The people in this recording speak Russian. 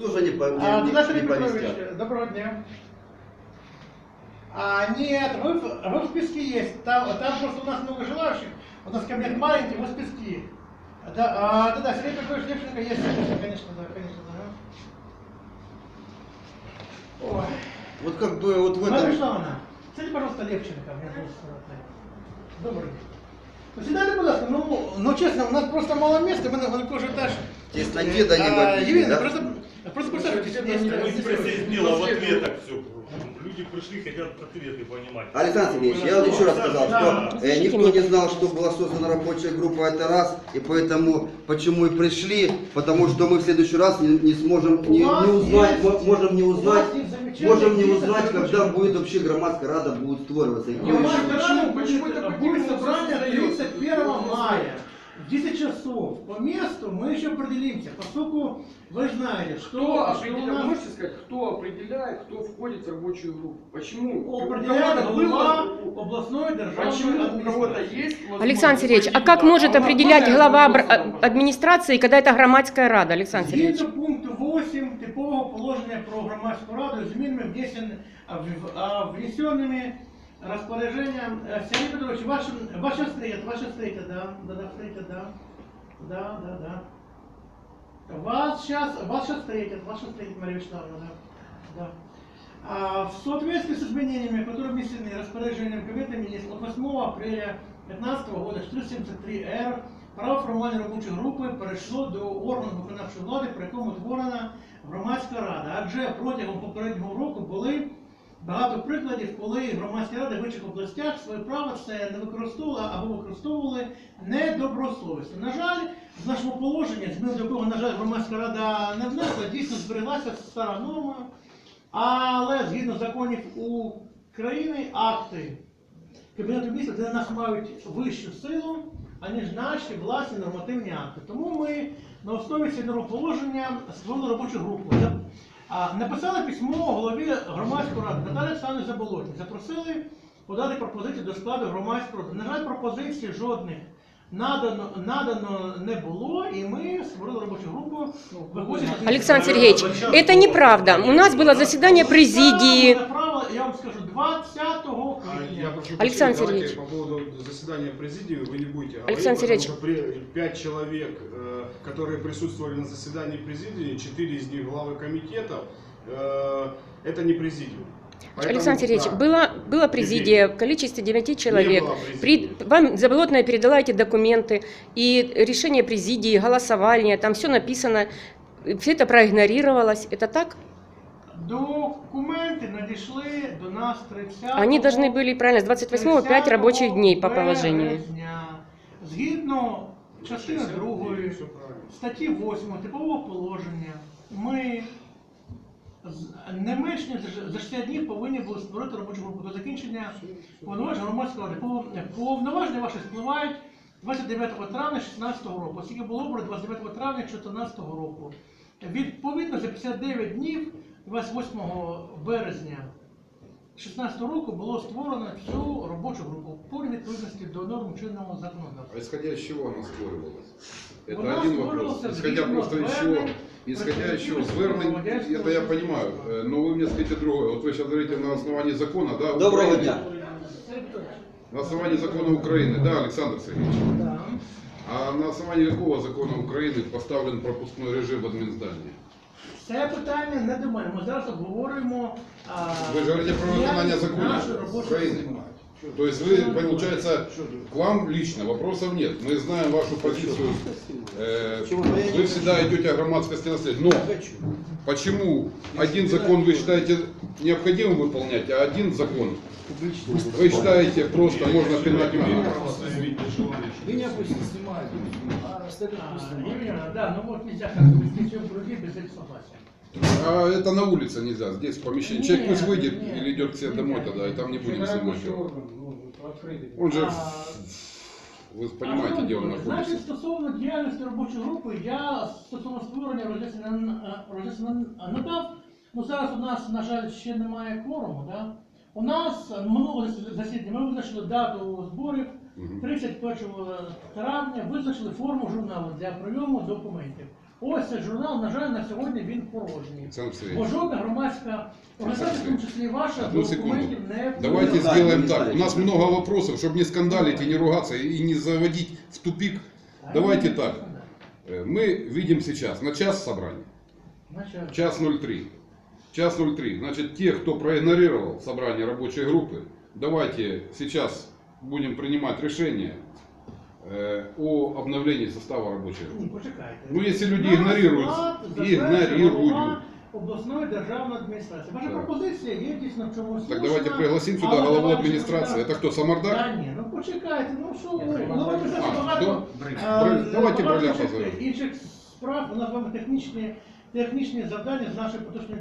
Тоже не повестят. Доброго дня. Нет, вы в списке есть. Там просто у нас много желающих. У нас кабинет маленький, вы в списке. Да, Сергей Петрович Левченко есть, конечно, да. Ой. Вот как бы вот в этом... Мария Вячеславовна, скажите, пожалуйста, Левченко. Меня зовут Добрый день. Сідайте, будь ласка, ну чесно, у нас просто мало места, мы на кожу этаж. Тесноте да не в Евгений, да? просто представьтесь. Сделал в ответах все. Люди пришли, хотят ответы понимать. Александр Сергеевич, я вот еще раз сказал, что никто не знал, что была создана рабочая группа, это раз, и поэтому, почему и пришли, потому что мы в следующий раз не сможем не узнать, когда будет вообще громадская рада будет створюваться. Почему это будет собрание 31 мая? В 10 часов по месту мы еще определимся, поскольку вы знаете, что определяет, можете сказать, кто определяет, кто входит в рабочую группу? Почему? Определяет глава областной державной Почему у кого-то есть? Александр Сергеевич, а как может определять глава адміністрації, когда это громадская рада, Александр Сергеевич? Згідно пункту 8 типового положення про громадську раду, змінами внесенными распоряжением. Сергей Петрович, ваша встреча, да. Вас встретят, Мария Вячеславовна, да. В соответствии с изменениями, которые внесены распоряжением Кабинета министров от 8 апреля 2015 года 473-Р, право формування робочої групи перейшло до органу виконавчої влади, при якому утворена громадська рада. Адже протягом попереднього року були багато прикладів, коли громадські ради в інших областях своє право це не використовували або використовували недобросовісно. На жаль, в нашому положенні, змін до якого, на жаль, громадська рада не внесла, дійсно збереглася стара норма, але згідно законів України акти Кабінету міністрів для нас мають вищу силу, аніж наші власні нормативні акти. Тому ми на основі цього положення створили робочу групу. Написали письмо голові громадської ради Наталії Олександрівні Заболотній. Запросили подати пропозиції до складу громадської ради. На жаль, пропозицій жодних надано не було, і ми створили робочу групу. Александр Сергеевич, это неправда. У нас было заседание президии. Я вам скажу, 20 квітня. Александр Сергеевич. По поводу заседания президии вы не будете говорить, Александр Сергеевич. потому что 5 человек, которые присутствовали на заседании президии, 4 из них главы комитетов, это не президиум. Поэтому, Александр Сергеевич, да, была президия в количестве 9 человек. Не было президии. Вам Заболотная передала эти документы, и решение президии, голосование, там все написано, все это проигнорировалось. Это так? Документы надійшли до нас 30. Они должны были, правильно, с 28 5 рабочих дней по положению. Березня. Згідно частини 2 статті 8 типового положення, ми не менш ніж за 60 днів повинні були створити робочу групу до закінчення повноважень громадської ради. Повноваження ваші спливають 29 травня 2016 року, оскільки було обрано 29 травня 2014 року. Відповідно, за 59 днів 28 березня 2016 року було створено цю робочу групу по відповідності до норм чинного законодавства. А исходя из чего она створювалась? У Это нас один вопрос. створювался Исходя просто из чего? Исходя из чего? Звернень, это я понимаю. Но вы мне скажите другое. Вот вы сейчас говорите на основании закона, да? Доброго Украины. дня. На основании закона Украины, да, Александр Сергеевич? Да. А на основании какого закона Украины поставлен пропускной режим в админздании? Це питання не до мене. Ми зараз обговорюємо. Вы же говорите про выполнение закона нашу робочу Украины. групу. То есть вы, получается, к вам лично вопросов нет. Мы знаем вашу позицию. Вы всегда идете о громадскости наследия. Но почему один закон вы считаете необходимым выполнять, а один закон вы считаете просто можно пинать вверх? Меня пусть не снимают. Да, ну вот нельзя как бы вести в груди без их согласия. А это на улице нельзя, здесь в помещении. Человек пусть выйдет или идет к себе домой тогда, и там не будем снимать его. Он же, вы понимаете, где он находится. Значить, стосовно діяльності робочої групи, я стосовно створення роз'яснення надав. Ну зараз у нас, на жаль, ще немає кворуму. Да? У нас минулого засідання ми визначили дату зборів 31 травня, визначили форму журналу для прийому документів. Ось цей журнал, на жаль, на сьогодні він порожній. Александр Бо Сергеевич, жодна громадська організація, в тому числі і ваша, одну документів секунду. не Давайте Ну, да, сделаем не так. У ставить. нас много вопросов, чтобы не скандалить и не ругаться, и не заводить в тупик. Давайте так. Мы видим сейчас на час собрания. Значить, Час 03. Час 03. Значит, те, кто проигнорировал собрание рабочей группы, давайте сейчас будем принимать решение о обновлении состава рабочей группы. ні, почекайте. Ну, якщо люди Нас ігнорують, склад затверджує ігнорують. голова обласної державної адміністрації. Ваша Так. пропозиція є дійсно в чомусь Так слушна, давайте пригласим сюда але главу давайте администрации. почекати. Это кто, Самардар? Та ні, ну почекайте, ну що ви, Ні, ну ви вже А, багато хто? е, Давайте багато Броля інших- позовемо. інших справ, у нас з вами технічні завдання з нашої поточної